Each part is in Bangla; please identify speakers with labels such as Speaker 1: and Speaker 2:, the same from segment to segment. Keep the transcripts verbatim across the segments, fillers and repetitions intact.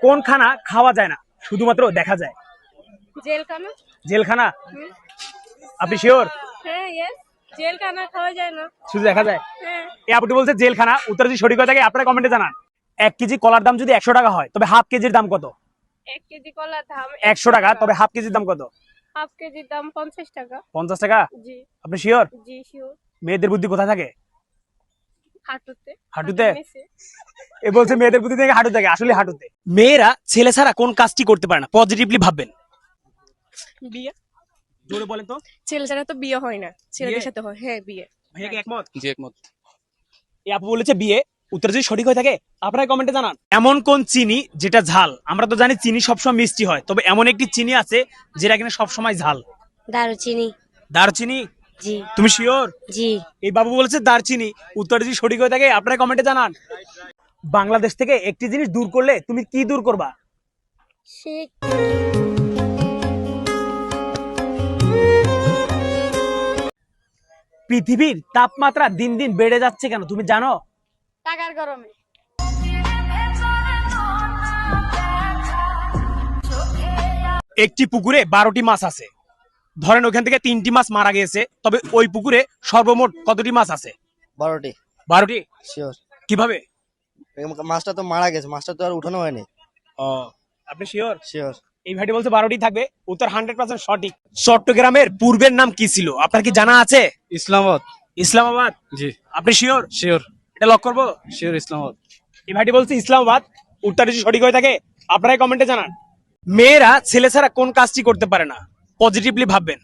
Speaker 1: কোন খানা খাওয়া যায় না শুধুমাত্র দেখা যায়?
Speaker 2: জেলখানা।
Speaker 1: জেলখানা? আপনি শিওর?
Speaker 2: হ্যাঁ, ইয়েস, জেলখানা খাওয়া যায় না,
Speaker 1: শুধু দেখা যায়।
Speaker 2: হ্যাঁ।
Speaker 1: এই আপুটি বলছে জেলখানা। উত্তর যদি সঠিক হয়ে থাকে আপনারা কমেন্টে জানান। এক কেজি কলার দাম যদি একশো টাকা হয় তবে হাফ কেজির দাম কত?
Speaker 2: এক কেজি কলার দাম
Speaker 1: একশো টাকা, তবে হাফ কেজির দাম কত?
Speaker 2: হাফ কেজির দাম পঞ্চাশ টাকা।
Speaker 1: পঞ্চাশ টাকা?
Speaker 2: জি।
Speaker 1: আপনি শিওর?
Speaker 2: জি শিওর।
Speaker 1: মেয়েদের বুদ্ধি কোথায় থাকে?
Speaker 2: হাঁটুতে।
Speaker 1: হাঁটুতে? এ বলছে মেয়েদের বুদ্ধি থেকে হাঁটু থাকে, আসলে হাঁটুতে। মেয়েরা ছেলে ছাড়া কোন কাজটি করতে পারে না? পজিটিভলি ভাববেন।
Speaker 2: বিয়ে।
Speaker 1: জোরে বলেন তো।
Speaker 2: ছেলে ছাড়া তো বিয়ে হয় না, ছেলেদের
Speaker 1: বিয়ে?
Speaker 2: সাথে হয়। হ্যাঁ, বিয়ে।
Speaker 1: ভাইয়া কি একমত?
Speaker 3: জি একমত।
Speaker 1: এই আপু বলেছে বিয়ে। উত্তর যদি সঠিক হয়ে থাকে আপনারা কমেন্টে জানান। এমন কোন চিনি যেটা ঝাল? আমরা তো জানি চিনি সবসময় মিষ্টি হয়, তবে এমন একটি চিনি আছে যেটা কিনা সবসময় ঝাল।
Speaker 4: দারুচিনি।
Speaker 1: দারচিনি?
Speaker 4: জি।
Speaker 1: তুমি শিওর?
Speaker 4: জি।
Speaker 1: এই বাবু বলেছে দারচিনি। উত্তর যদি সঠিক হয়ে থাকে আপনারা কমেন্টে জানান। বাংলাদেশ থেকে একটি জিনিস দূর করলে তুমি কি দূর করবা?
Speaker 4: সে
Speaker 1: পৃথিবীর তাপমাত্রা দিন দিন বেড়ে যাচ্ছে কেন তুমি জানো?
Speaker 2: টাকার গরমে।
Speaker 1: একটি পুকুরে বারোটি মাছ আছে, ধরেন ওখান থেকে তিনটি মাছ মারা গেছে, তবে ওই পুকুরে সর্বমোট কতটি মাছ আছে?
Speaker 5: বারোটি।
Speaker 1: বারোটি?
Speaker 5: শিওর।
Speaker 1: কিভাবে?
Speaker 5: মাছটা তো মারা গেছে, মাছটা তো আর উঠানো হয়নি।
Speaker 1: ও, আপনি শিওর?
Speaker 5: শিওর।
Speaker 1: এই ভাইটি বলছে বারোটি থাকবে। উত্তর হান্ড্রেড পার্সেন্ট সঠিক। চট্টগ্রামের পূর্বের নাম কি ছিল আপনার কি জানা আছে?
Speaker 3: ইসলামাবাদ।
Speaker 1: ইসলামাবাদ?
Speaker 3: জি।
Speaker 1: আপনি শিওর?
Speaker 3: শিওর।
Speaker 1: এটা লক করবো?
Speaker 3: শিওর ইসলামাবাদ।
Speaker 1: এই ভাইটি বলছে ইসলামাবাদ। উত্তর যদি সঠিক হয়ে থাকে আপনারাই কমেন্টে জানান। মেয়েরা ছেলে ছাড়া কোন কাজটি করতে পারে না? পজিটিভলি ভাববেন।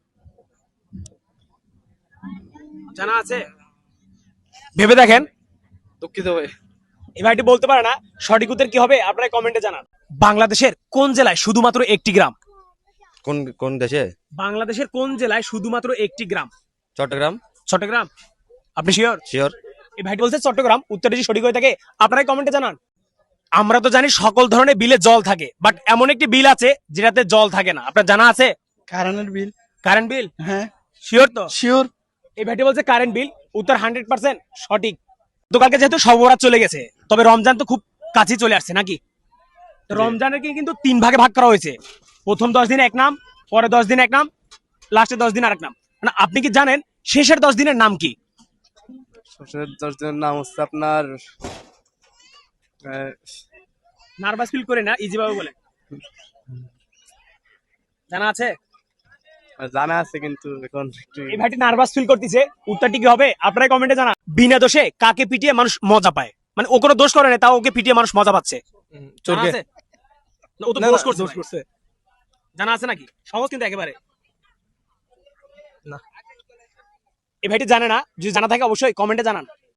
Speaker 1: জানা আছে? ভেবে দেখেন।
Speaker 3: দুঃখিত ভাই।
Speaker 1: এই ভাইটি বলতে পারে না। সঠিক উত্তর কি হবে আপনারাই কমেন্টে জানান। বাংলাদেশের কোন জেলায় শুধুমাত্র একটি গ্রাম?
Speaker 6: কোন কোন দেশে?
Speaker 1: বাংলাদেশের কোন জেলায় শুধুমাত্র একটি গ্রাম?
Speaker 6: চট্টগ্রাম।
Speaker 1: চট্টগ্রাম? আপনি শিওর?
Speaker 6: শিওর।
Speaker 1: এই ভাইটি বলছে চট্টগ্রাম। উত্তর যদি সঠিক হয়ে থাকে আপনারাই কমেন্টে জানান। আমরা তো জানি সকল ধরনের বিলে জল থাকে, বাট এমন একটি বিল আছে যেটাতে জল থাকে না, আপনার জানা আছে?
Speaker 3: কারেন্টের বিল।
Speaker 1: Current bill?
Speaker 3: হ্যাঁ
Speaker 1: শিওর তো?
Speaker 3: শিওর।
Speaker 1: এই ভাইটি বলছে কারেন্ট বিল। উত্তর হান্ড্রেড পার্সেন্ট সঠিক। তো কালকে যেহেতু সবরাত চলে গেছে, তবে রমজান তো খুব কাছে চলে আসছে নাকি? তো রমজানের কি কিন্তু তিন ভাগে ভাগ করা হয়েছে। প্রথম দশ দিন এক নাম, পরে দশ দিন এক নাম, লাস্টে দশ দিন আরেক নাম। মানে আপনি কি জানেন শেষের দশ দিনের নাম কি?
Speaker 3: শেষের দশ দিনের নাম হচ্ছে আপনার
Speaker 1: নার্ভাস ফিল করে না, ইজি ভাবে বলেন। জানা আছে?
Speaker 3: জানা আছে কিন্তু এখন একটু
Speaker 1: এই ভাইটি নার্ভাস ফিল করতেছে। উত্তরটি কি হবে আপনারাই কমেন্টে জানা। বিনা দোষে কাকে পিটিয়ে মানুষ মজা পায়? মানে ও কোনো দোষ করে না, তাও ওকে পিটিয়ে মানুষ মজা পাচ্ছে। জানা
Speaker 3: চোরকে।
Speaker 1: আছে? না, ও তো
Speaker 3: না,
Speaker 1: দোষ
Speaker 3: না,
Speaker 1: করছে
Speaker 3: দোষ
Speaker 1: ভাই।
Speaker 3: করছে।
Speaker 1: জানা আছে নাকি? সহজ কিন্তু একেবারে।
Speaker 3: না।
Speaker 1: এই ভাইটি জানে না। যদি জানা থাকে অবশ্যই কমেন্টে জানান।